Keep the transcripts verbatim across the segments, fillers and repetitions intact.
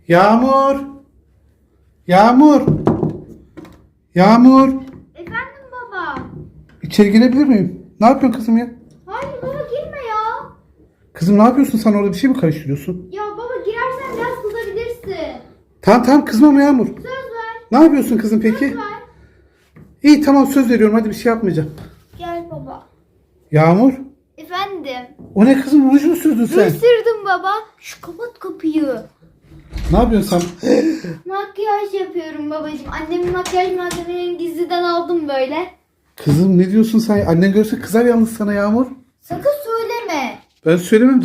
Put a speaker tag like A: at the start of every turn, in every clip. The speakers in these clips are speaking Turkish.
A: Yağmur. Yağmur. Yağmur.
B: Efendim baba.
A: İçeri girebilir miyim? Ne yapıyorsun kızım ya?
B: Hayır baba girme ya.
A: Kızım ne yapıyorsun, sen orada bir şey mi karıştırıyorsun?
B: Ya baba girersen biraz kızabilirsin.
A: Tamam tamam, kızmam Yağmur.
B: Söz ver.
A: Ne yapıyorsun kızım peki?
B: Söz ver.
A: İyi tamam, söz veriyorum, hadi bir şey yapmayacağım.
B: Gel baba.
A: Yağmur.
B: Efendim.
A: O ne kızım, ruj mu sürdün sen?
B: Isırdım baba. Şu kapat kapıyı.
A: Ne yapıyorsun sen?
B: Makyaj yapıyorum babacığım. Annemin makyaj malzemelerini gizliden aldım böyle.
A: Kızım ne diyorsun sen? Annen görse kızar yalnız sana Yağmur.
B: Sakın söyleme.
A: Ben söylemem.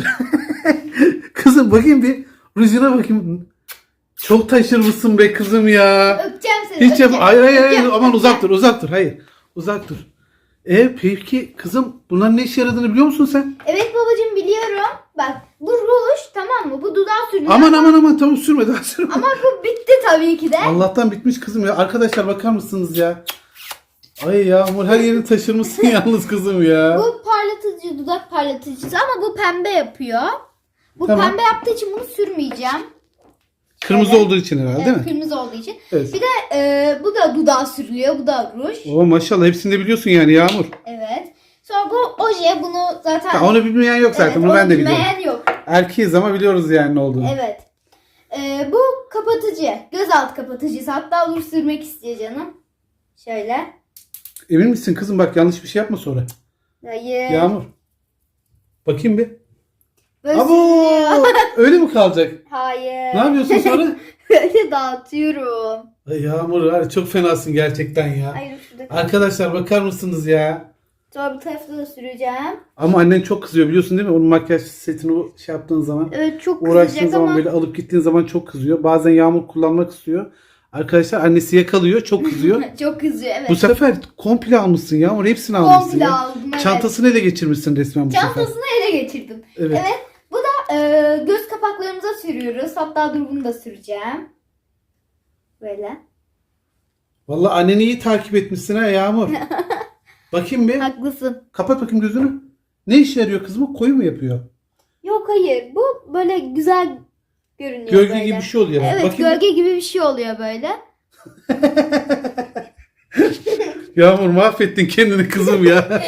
A: Kızım bakayım bir. Rujuna bakayım. Çok taşırmışsın be kızım ya.
B: Öpeceğim seni.
A: Hiç yap.
B: öpeceğim.
A: Hayır hayır hayır.
B: Öpeceğim,
A: Aman uzak
B: öpeceğim.
A: dur, uzak dur. Hayır. Uzak dur. E peki kızım, bunların ne işe yaradığını biliyor musun sen?
B: Evet babacığım biliyorum. Bak bu ruj tamam mı? Bu dudağa sürülüyor.
A: Aman aman aman, tamam sürme daha sürme.
B: Ama bu bitti tabii ki de.
A: Allah'tan bitmiş kızım ya. Arkadaşlar bakar mısınız ya? Ay Yağmur, her yerini taşırmışsın yalnız kızım ya.
B: Bu parlatıcı, dudak parlatıcısı ama bu pembe yapıyor. Bu
A: Tamam.
B: pembe yaptığı için bunu sürmeyeceğim.
A: Kırmıze
B: Evet.
A: olduğu için herhalde değil
B: Evet,
A: mi?
B: kırmızı olduğu için.
A: Evet.
B: Bir de e, bu da dudağa sürülüyor. Bu da ruj.
A: Oo maşallah, hepsini de biliyorsun yani Yağmur.
B: Evet. Sonra bu oje, bunu zaten...
A: Ha, onu bilmeyen yok zaten,
B: evet,
A: bunu ben
B: onu
A: de biliyorum.
B: bilmeyen yok.
A: Erkeğiz ama biliyoruz yani ne olduğunu.
B: Evet. E, bu kapatıcı. Gözaltı kapatıcısı. Hatta dur sürmek istiyor canım. Şöyle.
A: Emin misin kızım, bak yanlış bir şey yapma sonra.
B: Hayır.
A: Yağmur. Bakayım bir.
B: Böyle
A: Abo!
B: sürülüyor.
A: Öyle mi kalacak?
B: Hayır.
A: Ne yapıyorsun sonra?
B: Böyle dağıtıyorum.
A: Ay Yağmur var ya, çok fenasın gerçekten ya.
B: Hayır şurada.
A: Arkadaşlar bakar mısınız ya?
B: Sonra bu tarafta da süreceğim.
A: Ama annen çok kızıyor biliyorsun değil mi? Onun makyaj setini o şey yaptığın zaman,
B: Evet çok
A: uğraştığın
B: kızacak
A: zaman
B: ama
A: böyle alıp gittiğin zaman çok kızıyor. Bazen Yağmur kullanmak istiyor. Arkadaşlar annesi yakalıyor, çok kızıyor.
B: çok kızıyor evet.
A: Bu sefer komple almışsın Yağmur, hepsini almışsın
B: Komple
A: ya.
B: aldım evet.
A: Çantasını ele geçirmişsin resmen bu sefer.
B: Çantasını ele geçirdim.
A: Evet.
B: Evet. Bu da e, göz kapaklarımıza sürüyoruz. Hatta dur bunu da süreceğim. Böyle.
A: Vallahi anneni iyi takip etmişsin ha Yağmur. Bakayım bir.
B: Haklısın.
A: Kapat bakayım gözünü. Ne işe yarıyor kızım? O koyu mu yapıyor?
B: Yok hayır. Bu böyle güzel görünüyor
A: Gölge
B: böyle.
A: gibi bir şey oluyor.
B: Evet
A: Bakayım.
B: gölge gibi bir şey oluyor böyle.
A: Yağmur mahvettin kendini kızım ya.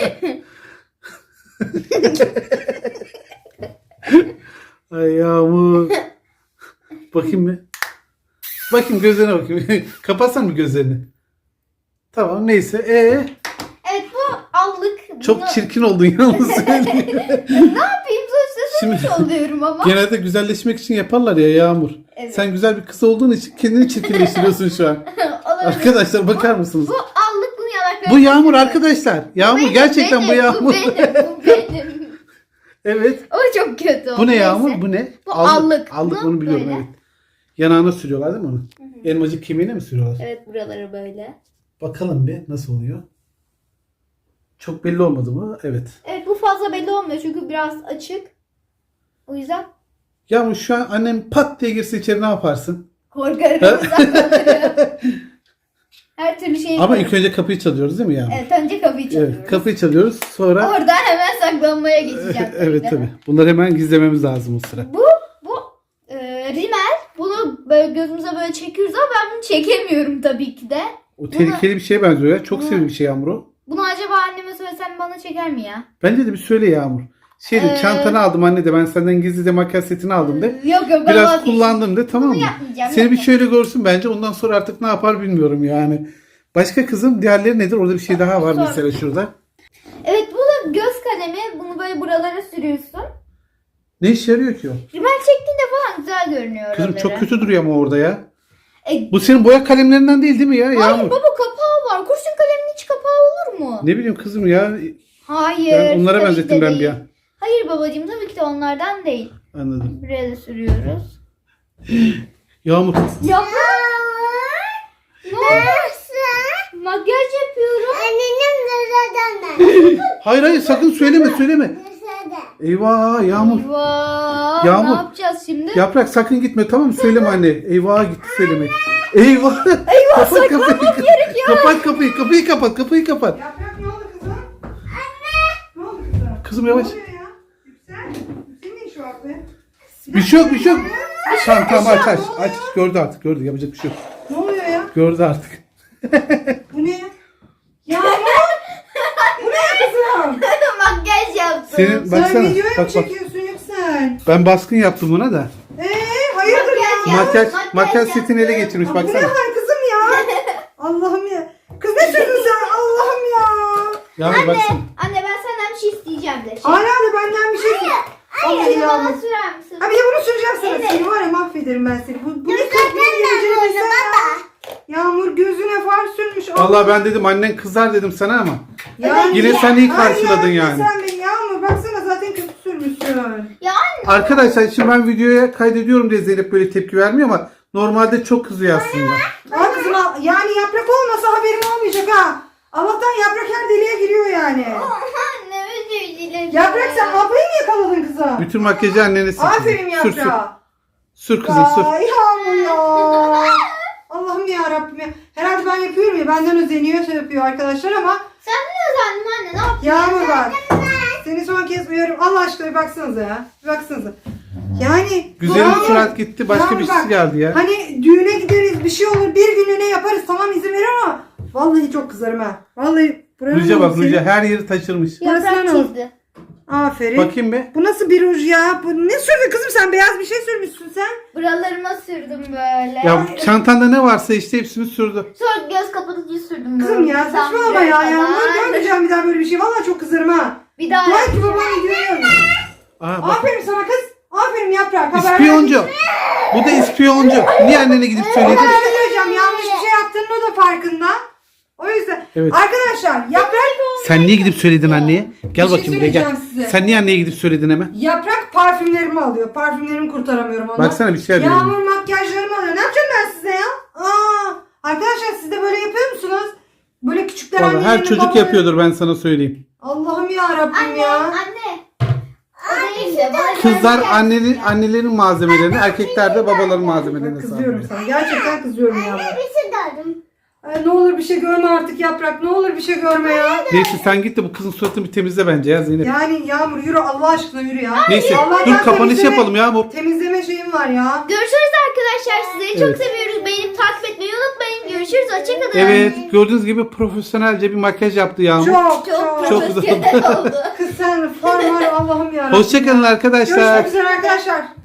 A: Ay Yağmur. Bakayım bir. Bakayım gözlerine bakayım. Kapatsan mı gözlerini? Tamam neyse. Ee,
B: Evet bu allık.
A: çok
B: Bunu-
A: çirkin oldun yalnız.
B: Ne yapayım sonuçta
A: Şimdi-
B: sonuç oluyorum ama.
A: Genelde güzelleşmek için yaparlar ya Yağmur.
B: Evet.
A: Sen güzel bir kız olduğun için kendini çirkinleştiriyorsun şu an.
B: Olabilir.
A: Arkadaşlar bakar mısınız?
B: Bu allık bunu yanaklarına
A: Bu Yağmur
B: sürüyorum.
A: arkadaşlar. Yağmur
B: Benim,
A: gerçekten bu
B: benim,
A: Yağmur.
B: Bu benim, bu benim.
A: Evet.
B: O çok kötü oldu.
A: Bu ne
B: neyse.
A: Yağmur? Bu ne?
B: Bu allık.
A: Allık
B: Bu
A: onu biliyorum
B: böyle.
A: evet. Yanağına sürüyorlar değil mi onu? Elmacık kemiğine mi sürüyorlar?
B: Evet buraları böyle.
A: Bakalım bir nasıl oluyor. Çok belli olmadı mı? Evet.
B: Evet bu fazla belli olmuyor çünkü biraz açık. O yüzden
A: Yağmur şu an annem pat diye girse içeri ne yaparsın?
B: korkarım. uzaklanırım. Her türlü şeyi
A: Ama ilk önce kapıyı çalıyoruz değil mi Yağmur?
B: Evet önce kapıyı çalıyoruz.
A: Evet, kapıyı çalıyoruz sonra...
B: Oradan hemen saklanmaya geçeceğim. tabii
A: evet
B: de.
A: tabii. Bunları hemen gizlememiz lazım o sıra.
B: Bu bu e, rimel. Bunu böyle gözümüze böyle çekiyoruz ama ben bunu çekemiyorum tabii ki de.
A: O tehlikeli bir şeye benziyor ya. Çok
B: Bunu-
A: sevimli bir şey Yağmur o.
B: Bunu acaba anneme söylesem bana çeker mi ya?
A: Bence de bir söyle Yağmur. Şey de,
B: Ee,
A: çantanı aldım anne de, ben senden gizli de makyaj setini aldım de.
B: Yok yok ben
A: Biraz
B: vazgeçtim.
A: kullandım de, tamam mı?
B: Bunu yapmayacağım.
A: Seni bir
B: yapmayacağım.
A: şöyle görsün bence, ondan sonra artık ne yapar bilmiyorum yani. Başka kızım, diğerleri nedir? Orada bir şey daha var
B: Sonra-
A: mesela şurada.
B: Evet bu da göz kalemi. Bunu böyle buralara sürüyorsun.
A: Ne işe yarıyor ki o?
B: Rimel çektiğinde falan güzel görünüyor
A: Kızım
B: oraları.
A: çok kötü duruyor ama orada ya.
B: E,
A: Bu senin boya kalemlerinden değil değil mi ya
B: hayır
A: Yağmur?
B: baba kapağı var. Kurşun kalemin hiç kapağı olur mu?
A: Ne bileyim kızım ya.
B: Hayır.
A: Ben onlara
B: tabii ki
A: benzettim
B: de
A: ben bir
B: değil.
A: an.
B: Hayır babacığım tabii ki de onlardan değil.
A: Anladım.
B: Buraya da sürüyoruz.
A: Yağmur.
B: Ya. Nasıl? Makyaj yapıyorum.
C: Annenin dışarıdan
A: Hayır hayır, sakın söyleme söyleme.
C: dışarıda.
A: Eyvah Yağmur.
B: Eyvah.
A: Yağmur.
B: Ne yapacağız şimdi?
A: Yaprak sakın gitme, tamam mı? Söyleme anne. Eyvah gitti söylemek. Eyvah. Eyvah kapat kapıyı. Kapat kapıyı. Kapıyı kapat. Kapıyı kapat.
D: Yaprak ne oldu kızım? Anne! Ne oldu kızım?
A: Kızım yavaş.
D: Ne oluyor ya? Yüksel. Yüksel'in ne işi var be?
A: Bir şey yok bir şey yok. Tamam tamam aç aç.
D: Ne oluyor?
A: Aç. Gördü artık gördü. Yapacak bir şey yok.
D: Ne oluyor ya?
A: Gördü artık.
D: Bu ne? Yağmur. Bu ne kızım?
B: Makyaj yaptım.
A: Senin
D: Sen
A: baksana.
D: videoya mı
A: Bak bak.
D: çekiyorsun Yüksel?
A: Ben baskın yaptım buna da.
D: Eee hayırdır ya?
B: Makyaj
A: Makyaj
B: makyaj
A: makyaj
B: yaptım.
A: setini ele geçirmiş
D: Ya bu ne
A: baksana.
D: var kızım ya? Allah'ım ya. Kız ne sürdün sen? Allah'ım ya.
A: Yağmur
B: Anne,
A: baksana.
B: anne ben senden bir şey isteyeceğim de. Şey.
D: Hala da benden bir şey. Vallahi
B: Hayır, bana
D: Yağmur.
B: sürer misin?
D: Ha bir de bunu süreceğim sana.
B: Evet.
D: Seni var ya mahvederim ben seni. Bu, bu ne kız? Bu ne geleceğini bilsen ya. Yağmur gözüne far sürmüş.
A: Vallahi ben dedim annen kızar dedim sana ama.
D: Yani-
A: Yine sen iyi
D: Ay
A: karşıladın
D: ya,
A: yani.
D: Sen beni Yağmur baksana zaten kötü sürmüşsün.
B: Ya anne.
A: Arkadaşlar şimdi ben videoya kaydediyorum diye Zeynep böyle tepki vermiyor ama normalde çok kızıyor aslında.
D: Aa kızım al- yani yaprak olmasa haberim olmayacak ha. Allah'tan yaprak her deliğe giriyor yani.
B: Anne özür dilerim.
D: Yaprak sen ablayı mı yakaladın kızım?
A: Bütün makyajı annene sür.
D: Aferin
A: Sür sür.
D: yaprağa.
A: Sür kızım sür.
D: Ay Yağmur ya. Allah'ım ya Rabbim ya. Herhalde ben yapıyorum ya benden özeniyor şey yapıyor arkadaşlar ama
B: Sen ne özendin anne, ne yaptın?
D: Yağmur bak. Seni son kez uyarıyorum. Allah aşkına bir baksanıza ya. Bir baksanıza. Yani
A: Güzelim
D: Yağmur-
A: surat gitti başka
D: Yağmur
A: birisi
D: bak,
A: geldi ya.
D: Hani düğüne gideriz bir şey olur bir günlüğüne yaparız tamam izin ver ama vallahi çok kızarım ha. Vallahi buranın
A: Ruja bak
D: senin-
A: Ruja her yeri taşırmış.
D: Burası
B: Yaprak
D: ne oldu?
B: çizdi.
D: Aferin.
A: Bakayım be.
D: Bu nasıl bir ruj ya? Bu ne sürdün kızım sen? Beyaz bir şey sürmüşsün sen.
B: Buralarıma sürdüm böyle.
A: Ya çantanda ne varsa işte hepsini sürdü.
B: Sonra göz kapatıcı sürdüm böyle.
D: Kızım ya
B: Tam
D: saçmalama
B: buraya
D: ya. ya.
B: kadar.
D: Görmeyeceğim bir daha böyle bir şey. Vallahi çok kızarım ha.
B: Bir daha
D: Dua et ki
B: yapacağım.
D: babam videoyu.
A: Aa, bak.
D: Aferin sana kız. Aferin yaprak. Haber
A: İspiyoncu. Bu da ispiyoncu. Niye annene gidip söyledin?
D: Ben söyleyeceğim. Yanlış bir şey yaptığının o da farkında. O yüzden.
A: Evet.
D: Arkadaşlar yaprak
A: Sen niye gidip söyledin anneye? Gel
D: Bir şey
A: bakayım buraya gel.
D: söyleyeceğim size.
A: Sen niye anneye gidip söyledin hemen?
D: yaprak parfümlerimi alıyor. Parfümlerimi kurtaramıyorum ondan.
A: Baksana bir şey yapıyorum.
D: Yağmur makyajlarımı alıyor. Ne yapacağım ben size ya? Aa, arkadaşlar siz de böyle yapıyor musunuz? Böyle küçükler
A: Vallahi her
D: annelerini,
A: çocuk
D: babalarını-
A: yapıyordur ben sana söyleyeyim.
D: Allah'ım ya Rabbim
B: Anne,
D: ya.
B: anne. O değil de bana
A: Kızlar
B: kendi-
A: annenin annelerin malzemelerini, erkekler de babaların malzemelerini
D: Bak kızıyorum
A: sağlıyor.
D: sana. Gerçekten kızıyorum ya.
C: Bir şey dedim.
D: Ay, ne olur bir şey görme artık yaprak. Ne olur bir şey görme ya.
A: Neyse sen git de bu kızın suratını bir temizle bence ya Zeynep.
D: Yani Yağmur yürü Allah aşkına yürü ya.
A: Neyse
D: Vallahi
A: dur
D: ben
A: kapanış
D: temizleme-
A: yapalım ya bu.
D: Temizleme şeyim var ya.
B: Görüşürüz arkadaşlar. Sizleri
A: Evet.
B: çok seviyoruz. Beğenip takip etmeyi unutmayın. Görüşürüz. Hoşçakalın.
A: Evet gördüğünüz gibi profesyonelce bir makyaj yaptı Yağmur.
D: Çok
B: Çok,
D: çok.
A: Çok güzel
B: profesyonel oldu.
D: Kız sen far var Allah'ım ya.
A: Hoşçakalın arkadaşlar.
D: Görüşmek üzere arkadaşlar.